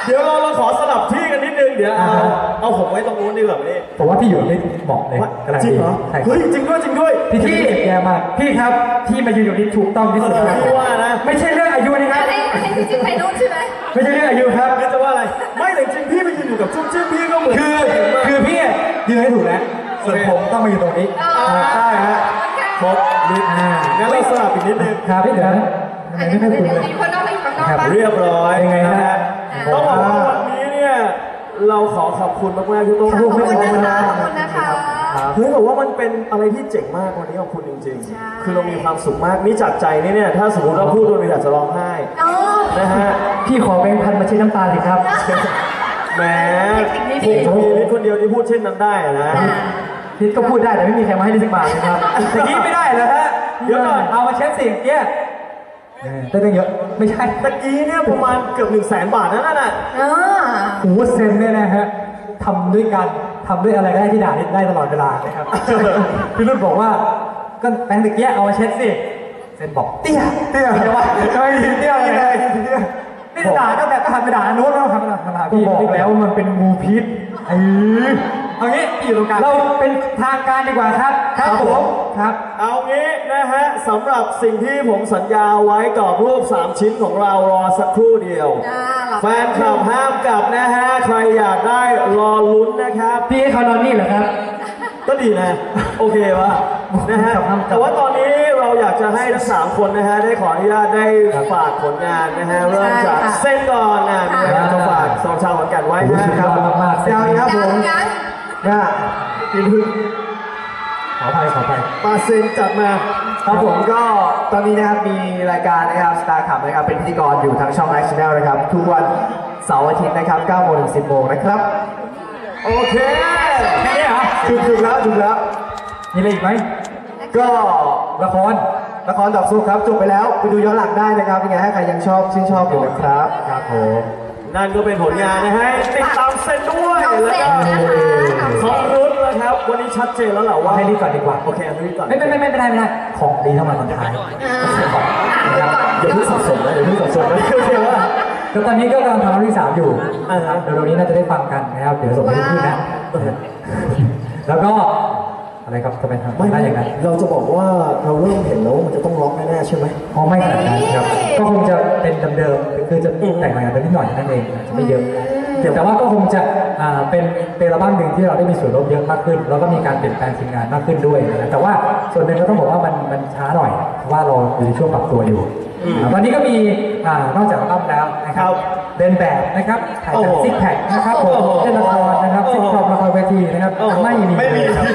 เดี๋ยวเราขอสลับที่กันนิดนึงเดี๋ยวเอาผมไว้ตรงนู้นดีกว่านี่ผมว่าพี่อยู่ได้เหมาะเลยจริงเหรอเฮ้ยจริงด้วยพี่แย่มากพี่ครับที่มาอยู่นี้ถูกต้องที่สุดครับว่านะไม่ใช่เรื่องอายุนะครับให้พี่จิ้มไปนู้นใช่ไหมไม่ใช่เรื่องอายุครับจะว่าอะไรไม่แต่จริงพี่ไปยืนอยู่กับจุ๊บจิ้มพี่ก็เหมือนคือพี่ยืนให้ถูกแล้วส่วนผมต้องมาอยู่ตรงนี้ใช่ฮะครบนิดงั้นเราสลับอีกนิดนึงครับพี่เดี๋ยวไม่ค่อยถูกเลยเรียบร้อยยังไงฮะต้องบอกว่าวันนี้เนี่ยเราขอบคุณมากๆที่ต้องขอบคุณนะคะเฮ้ยบอกว่ามันเป็นอะไรที่เจ๋งมากวันนี้ขอบคุณจริงๆคือเรามีความสุขมากนี่จากใจนี่เนี่ยถ้าสมมติเราพูดเราอยากจะร้องไห้นะฮะพี่ขอแบงค์พันมาเช็ดน้ำตาเลยครับแหมผมมีคนเดียวที่พูดเช่นนั้นได้นะพี่ก็พูดได้แต่ไม่มีใครมาให้ดิสักบาทเลยครับแต่กี้ไม่ได้แล้วฮะเดี๋ยวก่อนเอามาเช็ดสิ่งเนี้ยได้ตั้งเยอะไม่ใช่ตะกี้เนี่ยประมาณเกือบ100,000 บาทนั่นน่ะหูเซนเนี่ยนะฮะทำด้วยกันทำด้วยอะไรก็ได้ที่ด่าได้ตลอดเวลานะครับพี่รุ่นบอกว่าก็แบงค์ตะกี้เอามาเช็ดสิเซนบอกเตี้ยไม่ว่าไม่เตี้ยเลยนี่ด่าตั้งแต่ก็หันไปด่าโน้ตแล้วทำอะไรพี่บอกแล้วมันเป็นงูพิษเอางี้อยู่ตรงกลางเราเป็นทางการดีกว่าครับผมครับเอางี้นะฮะสำหรับสิ่งที่ผมสัญญาไว้กรอบรูป3 ชิ้นของเรารอสักครู่เดียวแฟนคลับห้ามกลับนะฮะใครอยากได้รอลุ้นนะครับพี่เขานอนนี่เหรอครับก็ดีนะโอเควะนะฮะแต่ว่าตอนนี้เราอยากจะให้ทั้ง3 คนนะฮะได้ขออนุญาตได้ฝากผลงานนะฮะเริ่มจากเส้นก่อนนะมีอะไรจะฝากสองชาวขอนแก่นไว้นะครับมากๆยังครับผมพี่พึ่งขอไปปาเซนจัดมาครับผมก็ตอนนี้นะครับมีรายการนะครับสตาร์ขับนะครับเป็นพิธีกรอยู่ทางช่อง Action Channel นะครับทุกวันเสาร์อาทิตย์นะครับ 9 โมงถึง 10 โมงนะครับโอเคแค่นี้เหรอถูกแล้วมีอะไรอีกไหมก็ละครดอกซุกครับจบไปแล้วไปดูย้อนหลังได้นะครับยังไงให้ใครยังชื่นชอบอยู่นะครับครับผมนั่นก็เป็นผลงานนะฮะติดตามเซนด้วยแล้วก็ของรุ่นนะครับวันนี้ชัดเจนแล้วเหรอว่าให้รีบก่อนดีกว่าโอเคให้รีบก่อนไม่ได้ของดีเท่ามาตอนท้ายอย่าเพิ่งสับสนนะก็ตอนนี้ก็กำลังทำเรื่องที่3อยู่เดี๋ยวนี้น่าจะได้ฟังกันนะครับเดี๋ยวส่งให้พี่นะแล้วก็อะไรครับจะเป็นทำได้อย่างนั้นเราจะบอกว่าเราเริ่มเห็นแล้วมันจะต้องล็อกแน่ๆใช่ไหมไม่ขนาดนั้นครับก็คงจะเป็นเดิมๆคือจะแต่งใหม่กันนิดหน่อยนั่นเองจะไม่เยอะแต่ว่าก็คงจะเป็นอัลบั้มหนึ่งที่เราได้มีส่วนร่วมเยอะมากขึ้นแล้วก็มีการเปลี่ยนแปลงทีมงานมากขึ้นด้วยนะแต่ว่าส่วนหนึ่งก็ต้องบอกว่ามันช้าหน่อยเพราะว่าเราอยู่ในช่วงปรับตัวอยู่ตอนนี้ก็มีนอกจากอัลบั้มแล้วนะครับเดินแบบนะครับถ่ายแบบซิกแพคนะครับผมเล่นละครนะครับซิกคอมละครเวทีนะครับไม่มีครับ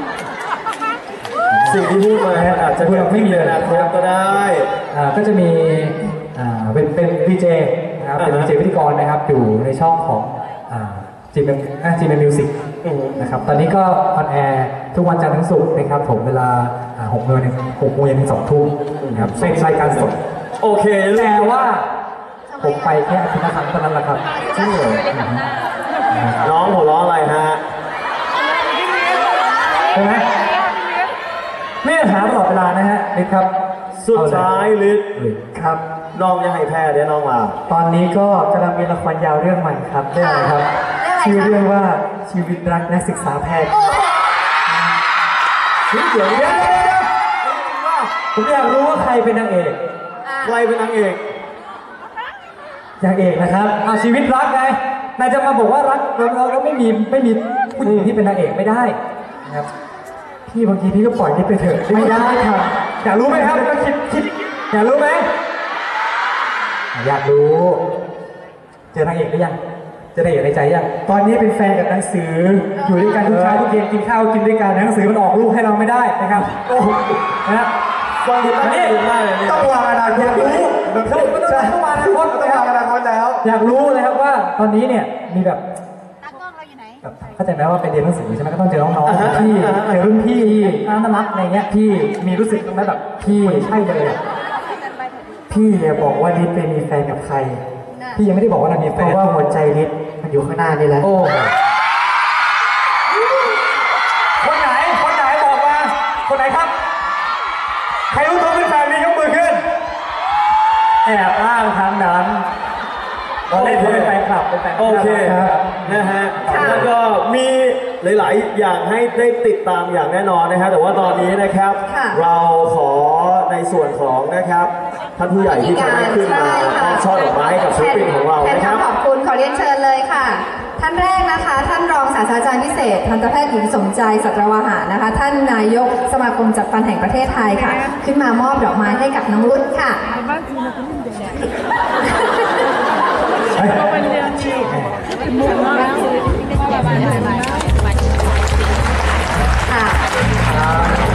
สิ่งที่พูดมาอาจจะไม่มีเลยนะครับก็ได้ก็จะมีเป็นวีเจนะครับเป็นวีเจพิธีกรนะครับอยู่ในช่องของจีเมมิวสิกนะครับตอนนี้ก็ออนแอร์ทุกวันจันทร์ถึงศุกร์นะครับผมเวลา6 โมงถึง 2 ทุ่มนะครับเป็นรายการสดโอเคแต่ว่าผมไปแค่อาทิตย์ละครั้งเท่านั้นแหละครับใช่น้องหัวเราะอะไรฮะใช่ไหมไม่หาตลอดเวลานะฮะลิศครับสุดท้ายลิศครับน้องยังให้แพ้เดี๋ยวน้องมาตอนนี้ก็กำลังมีละครยาวเรื่องใหม่ครับเรื่องอะไรครับชื่อเรื่องว่าชีวิตรักนักศึกษาแพทย์เดี๋ยวผมอยากรู้ว่าใครเป็นนางเอกนะครับเอาชีวิตรักไงนายจะมาบอกว่ารักเราไม่มีผู้หญิงที่เป็นนางเอกไม่ได้นะครับพี่บางทีพี่ก็ปล่อยนี่ไปเถอะไม่ได้ครับอยากรู้ไหมครับก็คิดอยากรู้ไหมอยากรู้เจอนางเอกหรือยังเจอนางเอกในใจยังตอนนี้เป็นแฟนกับหนังสืออยู่ด้วยกันทุกเช้าทุกเย็นกินข้าวกินด้วยกันหนังสือมันออกลูกให้เราไม่ได้นะครับโอ้นะฟังดูนี่ต้องวางอนาคตอยากรู้ต้องวางอนาคตแล้วอยากรู้เลยครับว่าตอนนี้เนี่ยมีแบบเข้าใจไหมว่าเป็นเรียนหนังสือใช่ไหมก็ต้องเจอน้องๆที่เจอรุ่นพี่น่ารักอะไรเงี้ยพี่มีรู้สึกตรงนั้นแบบพี่ใช่เลยพี่บอกว่าลิศไปมีแฟนกับใครพี่ยังไม่ได้บอกว่าเรามีแฟนเพราะว่าหัวใจลิศมันอยู่ข้างหน้านี่แหละคนไหนบอกมาคนไหนครับใครรู้ตัวเป็นแฟนมียกมือขึ้นแอบอ้างทางนั้นเราเล่นเลยเป็นแฟนคลับเป็นแฟนคลับโอเคครับนะฮะค่ะแล้วก็มีหลายๆอย่างให้ได้ติดตามอย่างแน่นอนนะฮะแต่ว่าตอนนี้นะครับค่ะเราขอในส่วนของนะครับท่านผู้ใหญ่ที่จะได้ขึ้นมามอบช่อดอกไม้ให้กับศิลปินของเราแทนนะครับคำขอบคุณขอเรียนเชิญเลยค่ะ ท่านแรกนะคะ ท่านรองศาสตราจารย์พิเศษทันตแพทย์หญิงสมใจสัตวาหารนะคะ ท่านนายกสมาคมจัดฟันแห่งประเทศไทยค่ะ ขึ้นมามอบดอกไม้ให้กับน้องรุ่นค่ะ ค่ะ